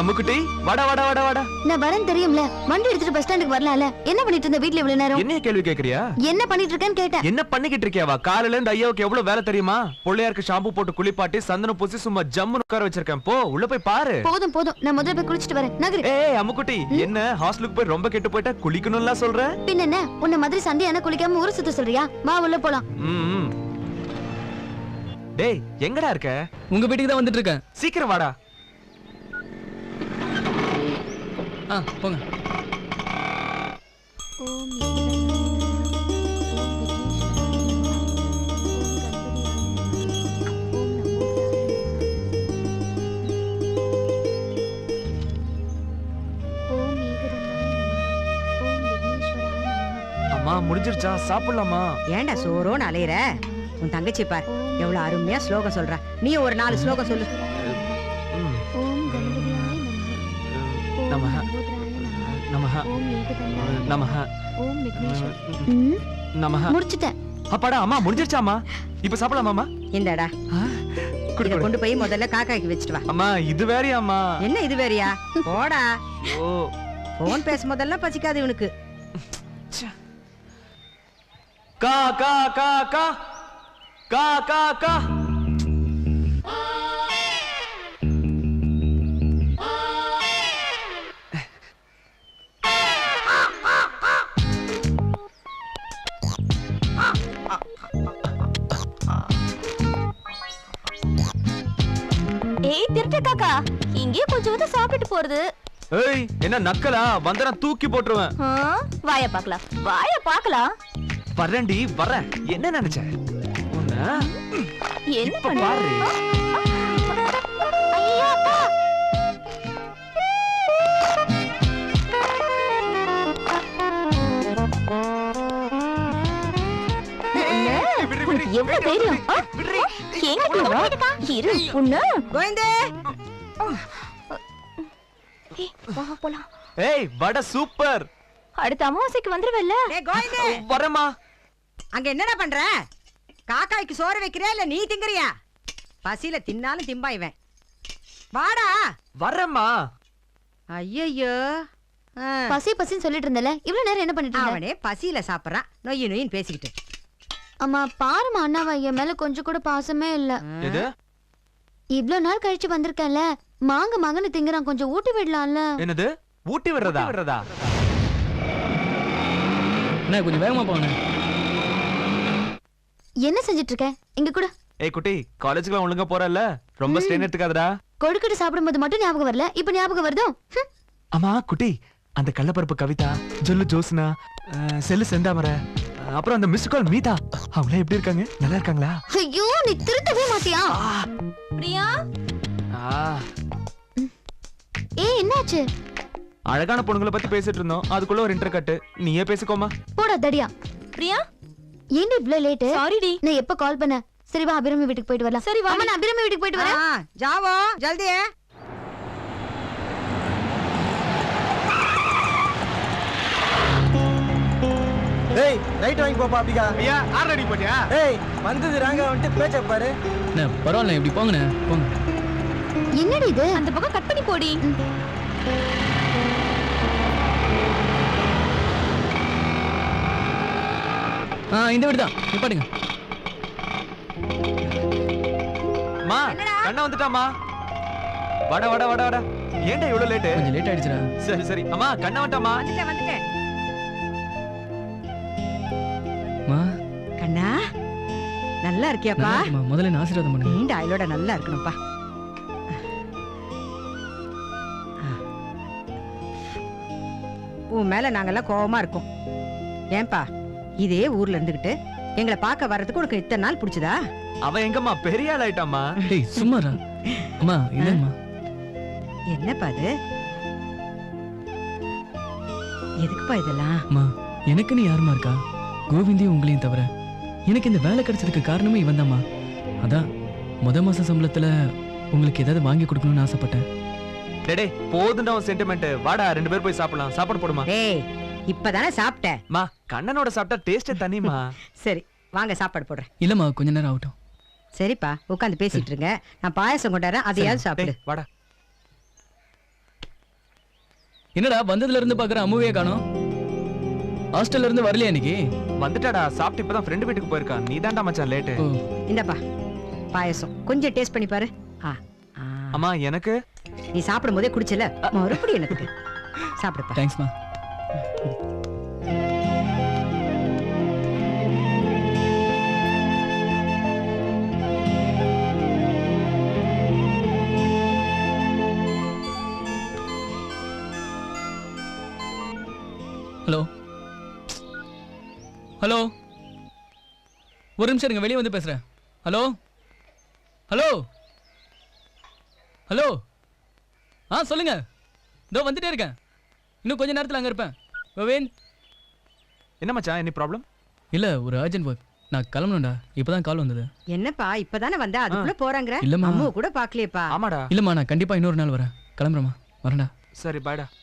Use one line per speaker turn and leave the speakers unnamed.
அம்முக்குட்டி வாடா வாடா வாடா வாடா.
நான் வரேன் தெரியும்ல. வண்டி எடுத்துட்டு பஸ் ஸ்டாண்டுக்கு வரலாம்ல. என்ன பண்ணிட்டு இருந்த வீட்ல இவ்வளவு நேரம்?
என்ன கேள்வி கேக்குறியா?
என்ன பண்ணிட்டு இருக்கேன்னு கேட்டேன்.
என்ன பண்ணிக்கிட்டு இருக்கியாவா? காலையில இருந்து ஐயாவுக்கு எவ்வளவு வேலை தெரியுமா? பிள்ளையாருக்கு ஷாம்பு போட்டு குளிப்பாட்டி சந்தனம் பூசி சும்மா ஜம்முன்னு உட்கார வச்சிருக்கேன். போ உள்ள போய் பாரு.
போதும் போதும், நான் முதல்ல போய் குளிச்சிட்டு வரேன். நகரு.
ஏய் அம்முக்குட்டி, என்ன ஹாஸ்டலுக்கு போய் ரொம்ப கெட்டு போயிட்டா குளிக்கணும்ல சொல்ற?
பின்ன என்ன, உன்ன மாதிரி சண்டையான குளிக்காம ஊரு சுத்த சொல்றியா? வா உள்ள போலாம்.
டேய் எங்கடா இருக்க?
உங்க வீட்டுக்கு தான் வந்துட்டு இருக்கேன்.
சீக்கிரம் வாடா.
போங்க.
அம்மா முடிஞ்சிருச்சா? சாப்பிடலாமா?
ஏண்டா சோரோன்னு அலையற? உன் தங்கச்சி பார் எவ்வளவு அருமையா ஸ்லோகம் சொல்றா. நீ ஒரு 4 ஸ்லோகம் சொல்லு.
நமஹ நமஹ நமஹ நமஹ.
முடிச்சிட்டேன்.
அப்பாடா அம்மா முடிஞ்சிருச்சாமா? இப்ப சாப்பிடலாமாமா?
இந்தடா இத கொண்டு போய் முதல்ல காக்காய்க்கு வச்சிட்டு வா.
அம்மா இது வேறயாம்மா?
என்ன இது வேறயா? போடா.
ஓ
போன் பேசும்போதெல்லாம் பசிக்காது இவனுக்கு.
கா கா கா கா கா கா கா.
ஏய் திருட்டு காக்கா, இங்கே கொஞ்சம் சாப்பிட்டு போறது.
ஏய் என்ன நக்கலா? வந்தனா தூக்கி போட்டுருவேன்.
வாய பாக்கலாம், வாய பாக்கலாம்.
வரேன்டி வரேன். என்ன நினைச்ச?
என்ன
பாரு.
ஐயா அப்பா. எவ்வளவு தைரியம்? இரு பொண்ணு.
கோவிந்தே
வா போலாம்.
ஏய் வட சூப்பர்.
அடுத்த அமாவாசைக்கு வந்துருவல்ல?
டேய் கோவிந்தே
வரேம்மா.
அங்க என்னடா பண்ற? காக்காய்க்கு சோறு வைக்கிறியா இல்ல நீ திங்கறியா? பசியில தின்னாலும் திம்பா இவன். வாடா.
வரேம்மா.
ஐயையோ
பசி பசின்னு சொல்லிட்டு இருந்தல, இவ்வளவு நேரம் என்ன பண்ணிட்டு இருந்த?
அவனே பசியில சாப்பிடுறான், நொய்யு நொய்யின்னு பேசிக்கிட்டு.
அம்மா பாருமா, அண்ணாவா என் மேல கொஞ்சம் கூட பாசமே இல்ல.
எது?
இவ்வளவு நாள் கழிச்சு வந்திருக்கேன்ல, மாங்க மாங்கன்னு திங்கறான், கொஞ்சம் ஊட்டி விடலாம்ல.
என்னது ஊட்டி விடுறதா?
அண்ணா கொஞ்சம் வேகமா போங்க.
என்ன செஞ்சிட்டு இருக்க? இங்க கூட.
ஏய் குட்டி, காலேஜுக்குலாம் ஒழுங்கா போறல்ல? ரொம்ப ஸ்ட்ரெயின் எடுத்துக்காதடா.
கொழுக்கட்டை சாப்பிடும்போது மட்டும் ஞாபகம் வரல, இப்ப ஞாபகம் வருதோ?
அம்மா குட்டி, அந்த கள்ளப்பருப்பு கவிதா, ஜொல்லு ஜோஸ்னா, செல்லு செந்தாமரை, அப்புறம் அந்த மிஸ் கால் மீதா, அவங்க எப்படி இருக்காங்க? நல்லா இருக்காங்களா?
ஐயோ நீ திருத்தவே மாட்டியா? பிரியா. ஏய் என்னாச்சு?
அழகான பொண்ணுங்களை பத்தி பேசிட்டு இருந்தோம், அதுக்குள்ள ஒரு இன்டர் கட். நீயே பேசிக்கோமா.
போடா தடியா. பிரியா ஏன் இவ்ளோ லேட்? சாரிடி, நான் எப்ப கால் பண்ண? சரி வா அபிராமி வீட்டுக்கு போயிட்டு வரலாம். சரி வா. அம்மா நான் அபிராமி வீட்டுக்கு போயிட்டு வரேன்.
ஜாவோ ஜல்தி.
ஏய் ரைட் வாங்கி போப்பா அப்படிக்கா.
ஐயா ஆர் ரெடி போட்டியா?
ஏய் வந்தது ராங்க வந்துட்டு பேச்ச பாரு.
அண்ணா பரவாயில்ல, இப்படி போங்கண்ணே போங்க.
என்னடி இது? அந்த பக்கம் கட் பண்ணி போடி.
இந்த வீடு தான், நிப்பாட்டுங்க.
மா கண்ணா வந்துட்டாமா. வாடா வாடா வாடா வாடா. ஏன்டா இவ்வளவு லேட்?
கொஞ்சம் லேட் ஆயிடுச்சுடா.
சரி சரி. அம்மா கண்ணா வந்துட்டாமா.
வந்துட்டேன்.
மா
கண்ணா நல்லா இருக்கியாப்பா?
முதல்ல ஆசீர்வாதம் பண்ணுங்க.
நீண்ட ஆயுளோட நல்லா இருக்கணும்ப்பா. உன் மேல நாங்கெல்லாம் கோவமா இருக்கோம். ஏன்பா இதே ஊர்ல இருந்துகிட்டு எங்களை பார்க்க வர்றதுக்கு உனக்கு இத்தனை நாள் பிடிச்சதா?
அவன் எங்கம்மா பெரிய ஆள் ஆயிட்டாமா.
டேய் சும்மாடா. அம்மா இல்லம்மா.
என்னப்பா இது? எதுக்குப்பா இதெல்லாம்?
அம்மா எனக்கு நீ யாருமா இருக்கா? கோவிந்தையும் உங்களையும் தவிர எனக்கு இந்த வேலை கிடைச்சதுக்கு காரணமே இவன் தான்மா. அதான் மாச சம்பளத்துல உங்களுக்கு ஏதாவது வாங்கி கொடுக்கணும்னு ஆசைப்பட்டேன்.
டேடே போதுண்டா உன் சென்டிமெண்ட். வாடா 2 பேர் போய் சாப்பிடலாம். சாப்பாடு போடுமா.
டேய் இப்பதானே சாப்பிட்டேன்.
மா கண்ணனோட சாப்பிட்டா டேஸ்டே தனிமா.
சரி வாங்க சாப்பாடு போடுறேன்.
இல்லம்மா கொஞ்ச நேரம் ஆகட்டும்.
சரிப்பா உட்காந்து பேசிட்டு இருங்க, நான் பாயாசம் கொண்டாடுறேன், அதையாவது சாப்பிடு.
வாடா.
என்னடா வந்ததுல இருந்து பாக்குற அம்முவே காணோம். ஹாஸ்டல்ல இருந்து வரலையா இன்னைக்கு?
வந்துட்டாடா, சாப்பிட்டு இப்பதான் ஃப்ரெண்டு வீட்டுக்கு போயிருக்கான். நீ தான்டா மச்சான் லேட்டு.
ஓ,
இந்தப்பா பாயசம் கொஞ்சம் டேஸ்ட் பண்ணி பாரு. ஆ, ஆ.
அம்மா எனக்கு
நீ சாப்பிடும் போதே குடிச்சல, மறுபடியும் எனக்கு சாப்பிடுப்பா.
தேங்க்ஸ்மா. ஹலோ ஹலோ, ஒரு நிமிஷம் இருங்க, வெளியே வந்து பேசுறேன். ஹலோ ஹலோ ஹலோ, சொல்லுங்க. இதோ வந்துட்டே இருக்கேன், இன்னும் கொஞ்ச நேரத்தில் அங்கே இருப்பேன். கோவிந்த்.
என்ன மச்சான், என்ன ப்ராப்ளம்?
இல்லை, ஒரு அர்ஜென்ட் ஒர்க், நான் கிளம்பணும்டா. இப்போதான் கால் வந்தது.
என்னப்பா இப்பதானே வந்தா அதுக்குள்ள போறாங்கற?
இல்லம்மா.
அம்மா கூட பாக்கலையேப்பா.
ஆமாடா.
இல்லைம்மா, நான் கண்டிப்பாக இன்னொரு நாள் வரேன். கிளம்புறேம்மா, வரேன்டா.
சரி பாய்டா.